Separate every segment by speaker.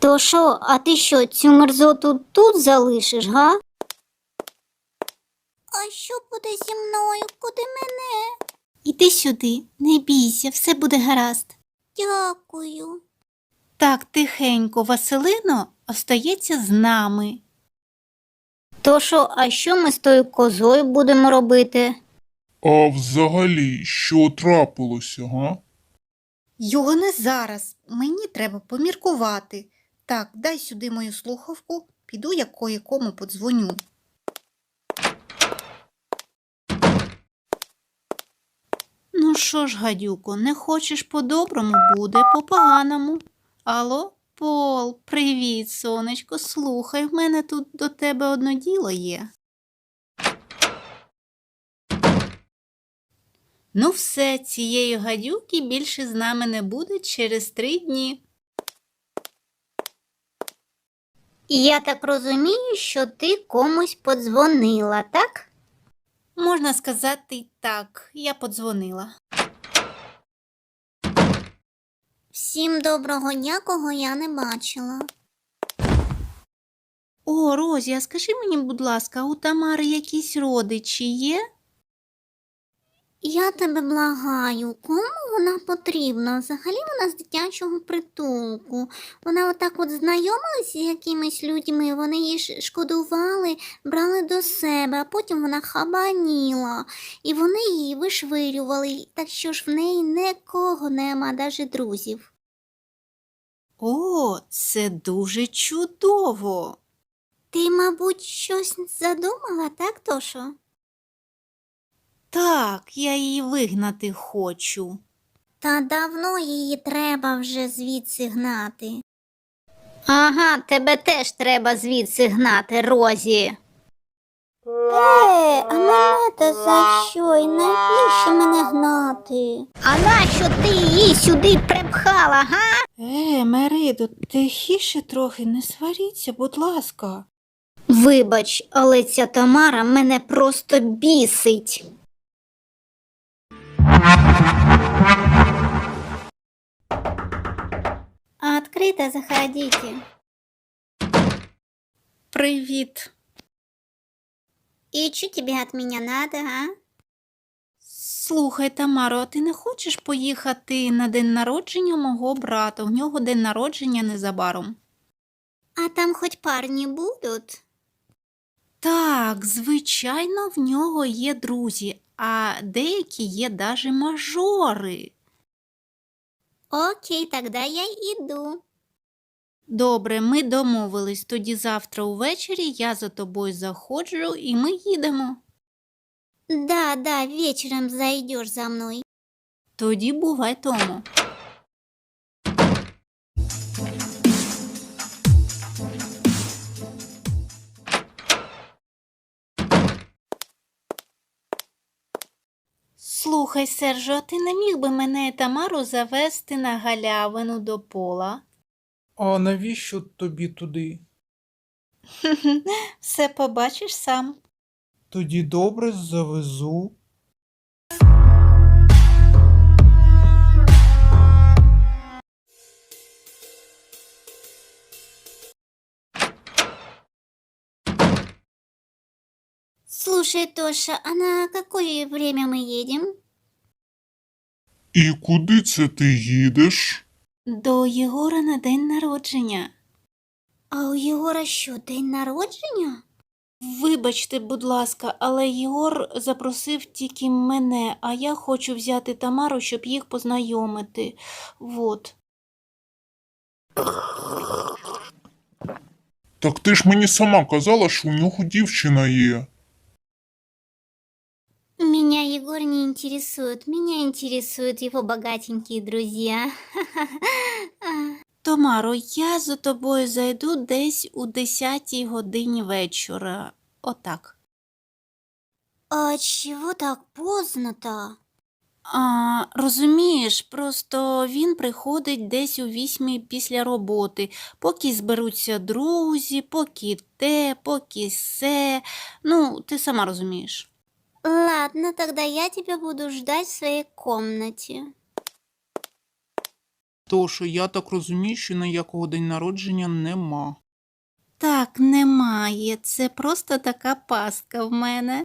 Speaker 1: То що, а ти що, цю мерзоту тут залишиш, га?
Speaker 2: А що буде зі мною? Куди мене?
Speaker 3: Іди сюди, не бійся, все буде гаразд.
Speaker 2: Дякую.
Speaker 3: Так, тихенько, Василино остається з нами.
Speaker 1: То що, а що ми з тою козою будемо робити?
Speaker 4: А взагалі, що трапилося, га?
Speaker 3: Його не зараз, мені треба поміркувати. Так, дай сюди мою слухавку, піду я кое-кому подзвоню. Ну що ж, гадюко, не хочеш по-доброму, буде по-поганому. Алло, Пол, привіт, сонечко, слухай, в мене тут до тебе одно діло є. Ну все, цієї гадюки більше з нами не буде через 3 дні.
Speaker 1: І я так розумію, що ти комусь подзвонила, так?
Speaker 3: Можна сказати й так, я подзвонила.
Speaker 2: Всім доброго дня, кого я не бачила.
Speaker 3: О, Розі, а скажи мені, будь ласка, у Тамари якісь родичі є?
Speaker 2: Я тебе благаю, кому вона потрібна? Взагалі вона з дитячого притулку. Вона отак от знайомилася з якимись людьми, вони її шкодували, брали до себе, а потім вона хабаніла. І вони її вишвирювали, так що ж в неї нікого нема, навіть друзів.
Speaker 3: О, це дуже чудово.
Speaker 2: Ти, мабуть, щось задумала, так, Тошо?
Speaker 3: Так, я її вигнати хочу.
Speaker 2: Та давно її треба вже звідси гнати.
Speaker 1: Ага, тебе теж треба звідси гнати, Розі.
Speaker 2: А мене то за що? І навіщо мене гнати?
Speaker 1: А нащо ти її сюди припхала, га?
Speaker 3: Меридо, тихіше трохи, не сваріться, будь ласка.
Speaker 1: Вибач, але ця Тамара мене просто бісить.
Speaker 2: Открыто заходите.
Speaker 3: Привіт.
Speaker 2: И что тебе от меня надо, а?
Speaker 3: Слухай, Тамаро, а ти не хочеш поїхати на день народження мого брата? У нього день народження незабаром.
Speaker 2: А там хоть парни будут?
Speaker 3: Так, звичайно, в нього є друзі, а деякі є даже мажори.
Speaker 2: Окей, тогда я иду.
Speaker 3: Добре, ми домовились. Тоді завтра увечері я за тобою заходжу і ми їдемо.
Speaker 2: Да, вечером зайдешь за мной.
Speaker 3: Тоді бувай тому. Слухай, Сержо, а ти не міг би мене і Тамару завести на галявину до Пола?
Speaker 5: А навіщо тобі туди?
Speaker 3: Все побачиш сам.
Speaker 5: Тоді добре завезу.
Speaker 2: Слушай, Тоша, а на какое время мы едем?
Speaker 4: І куди це ти їдеш?
Speaker 3: До Єгора на день народження.
Speaker 2: А у Єгора що, день народження?
Speaker 3: Вибачте, будь ласка, але Єгор запросив тільки мене, а я хочу взяти Тамару, щоб їх познайомити. Вот.
Speaker 4: Так ти ж мені сама казала, що у нього дівчина є.
Speaker 2: Меня Егор не интересует, меня интересуют его богатенькие друзья.
Speaker 3: Тамаро, я за тобою зайду десь у 10-й годині вечора. Отак.
Speaker 2: А чего так поздно-то?
Speaker 3: Розумієш, просто він приходить десь у 8 після роботи, поки зберуться друзі, поки те, поки се. Ну, ти сама розумієш.
Speaker 2: Ладно, тогда я тебя буду ждать в своей комнате.
Speaker 5: Тож, я так розумію, що ніякого день народження нема.
Speaker 3: Так, немає. Це просто така пастка в мене.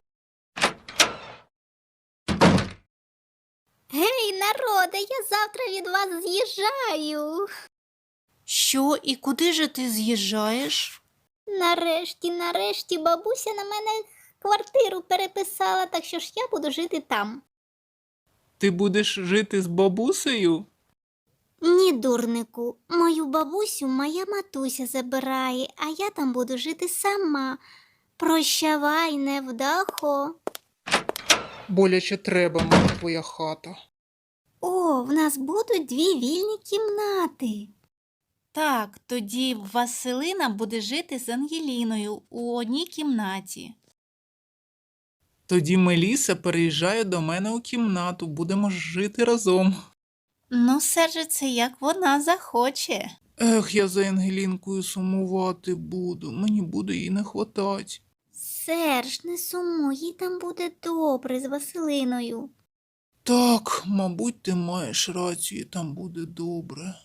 Speaker 1: Гей, народе, я завтра від вас з'їжджаю.
Speaker 3: Що і куди же ти з'їжджаєш?
Speaker 1: Нарешті бабуся на мене квартиру переписала, так що ж я буду жити там.
Speaker 5: Ти будеш жити з бабусею?
Speaker 1: Ні, дурнику, мою бабусю моя матуся забирає, а я там буду жити сама. Прощавай, невдахо.
Speaker 5: Боляче треба мені твоя хата.
Speaker 1: О, в нас будуть 2 вільні кімнати.
Speaker 3: Так, тоді Василина буде жити з Ангеліною у одній кімнаті.
Speaker 5: Тоді Меліса переїжджає до мене у кімнату, будемо жити разом.
Speaker 3: Ну, Серже, це як вона захоче.
Speaker 5: Ех, я за Ангелінкою сумувати буду, мені буде їй не хватать.
Speaker 1: Серж, не сумуй, їй там буде добре з Василиною.
Speaker 5: Так, мабуть, ти маєш рацію, там буде добре.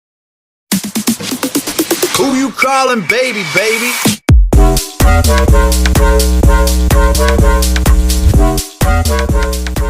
Speaker 6: Who you calling baby, baby?